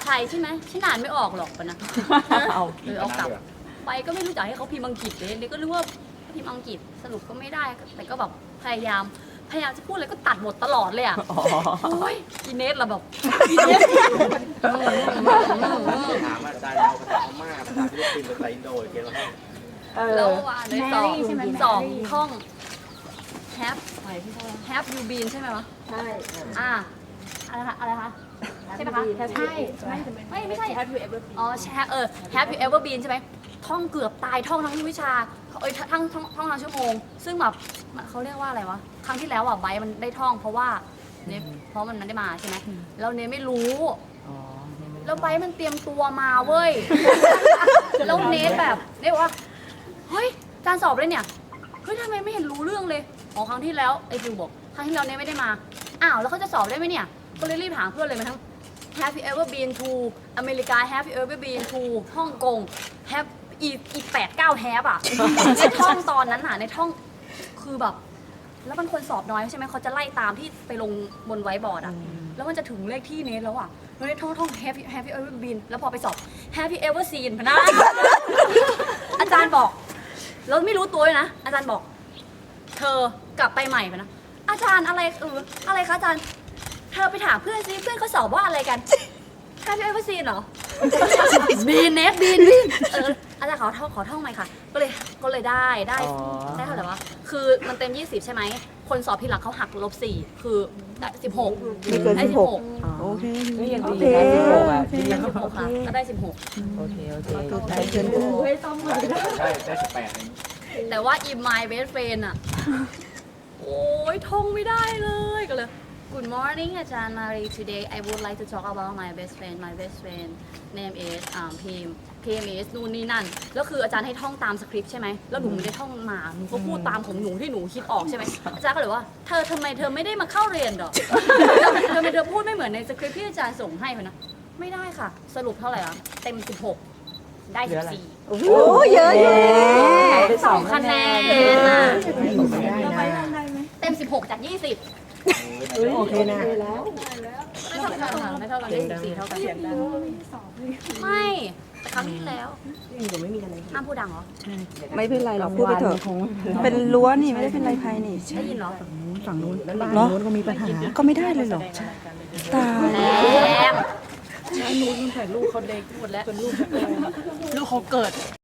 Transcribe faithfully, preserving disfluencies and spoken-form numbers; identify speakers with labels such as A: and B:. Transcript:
A: รใช่ไหมฉันอ่านไม่ออกหรอกปะนะ
B: เอา
A: เออเอากลับไปก็ไม่รู้จักให้เขาพิมพ์อังกฤษเลยเลยก็รู้ว่าพิมพ์อังกฤษสรุปก็ไม่ได้แต่ก็แบบพยายามพยายามจะพูดอะไรก็ตัดหมดตลอดเลยอ่ะโอ้ยอีเนสเราแบบอีเนส
C: ถามอาจารย์เอาภาษาพม่าภาษาฟิลิปปินส์ภาษาอินโดเกี่ยวกับ
A: แล้วว่าในสองสองท่อง have have you been ใช่ไหมวะ
D: ใช่
A: อ่าอะไรคะอะไรคะใช่ไหมคะ
D: ใช่ไม่
A: ไม่ไม่ใช่
D: have you ever been
A: อ๋อแชร์เออ have you ever been ใช่ไหมท่องเกือบตายท่องทั้งวิชาเอ้ยทั้งท่องท่องทั้งชั่วโมง ซึ่งแบบเขาเรียกว่าอะไรวะครั้งที่แล้วอ่ะไบร์ทมันได้ท่องเพราะว่าเนฟเพราะมันมันได้มาใช่ไหมแล้วเนฟไม่รู้
B: อ๋อ
A: แล้วไบร์ทมันเตรียมตัวมาเว้ย แล้วเนทแบบเนทบอกว่า เฮ้ย การสอบเลยเนี่ย เฮ้ยทำไมไม่เห็นรู้เรื่องเลยอ๋อครั้งที่แล้วไอ้ฟิวบอก ครั้งที่แล้วเนทไม่ได้มา อ้าว แล้วเขาจะสอบได้ไหมเนี่ย ก็เลยรีบถามเพื่อนเลยมาทั้ง Have you ever been to อเมริกา Have you ever been to ฮ่องกง Have อีอีแปดเก้าแฮปอ่ะ ในท่องตอนนั้นน่ะในท่อง คือแบบ แล้วมันคนสอบน้อยใช่ไหม เขาจะไล่ตามที่ไปลงบนไวท์บอร์ดอ่ะ แล้วมันจะถึงเลขที่เนทแล้วอ่ะเฮ้ยท่องท่อง Have you Have you ever been แล้วพอไปสอบ Have you ever seen พะนะ อาจารย์บอก แล้วไม่รู้ตัวเลยนะ อาจารย์บอก เธอกลับไปใหม่พะนะ อาจารย์อะไรเอออะไรคะอาจารย์ เธอไปถามเพื่อนซิเพื่อนเขาสอบว่าอะไรกัน Have you ever seen เหรอ บีนเนทบีนบีนเอออาจารย์ขอท่องขอท่องใหม่ค่ะ ก็เลยก็เลยได้ได้ได้เท่าไหร่วะคือมันเต็มยี่สิบใช่ไหม คนสอบทีหลังเขาหักลบสี่คือได้สิบหก
E: ไม่เกิน
A: ได้
E: สิบหก โอเค
B: ก็ยัง
E: โอ
B: ดี
E: เค
B: นะสิบหกอ่ะ
A: ได้สิบหกค่ะก็ได้สิบหก
B: โอเคโอเค
E: ได้เชิญดู
D: เฮ้ยต้องมา
C: ได้ได้สิบแปดเอง
A: แต่ว่า in my best friend อะ โอ้ยท่องไม่ได้เลยก็เลย Good morning อาจารย์มารี today I would like to talk about my best friend my best friend name is อ่าพิมพิม is นู่นนี่นั่นแล้วคืออาจารย์ให้ท่องตามสคริปต์ใช่ไหมแล้วหนูไม่ได้ท่องมาหนูก็พูดตามของหนูที่หนูคิดออกใช่ไหมอาจารย์ก็เลยว่าเธอทำไมเธอไม่ได้มาเข้าเรียนหรอ ทำไมเธอพูดไม่เหมือนในสคริปต์ที่อาจารย์ส่งให้พะนะไม่ได้ค่ะ สรุปเท่าไหร่อะเต็มสิบหกได้สิบสี่
E: โอ้โหเยอะอยู่
A: สองคะแนนอะ
E: ได้นะ
A: เต็มสิบหกจากยี่สิบ
E: โอเคนะ
A: ไม่เท่ากันค่ะไม่เท่ากันได้สิบสี่เท่ากันไม่แต่ครั้งที่แล้วห้ามพูดดังเหรอ
E: ไม่เป็นไรหรอกพูดไปเถอะ เป็นรั้วนี่ไม่ได้เป็นไรภายนี่
A: ได้ยินเหรอ
E: ฝั่งนู้นเหรอก็มีปัญหา ก็ไม่ได้เลยเหรอ ตาย
A: แรง
B: ลูกเขาเด็กหมดแล้วลูกเขาเกิด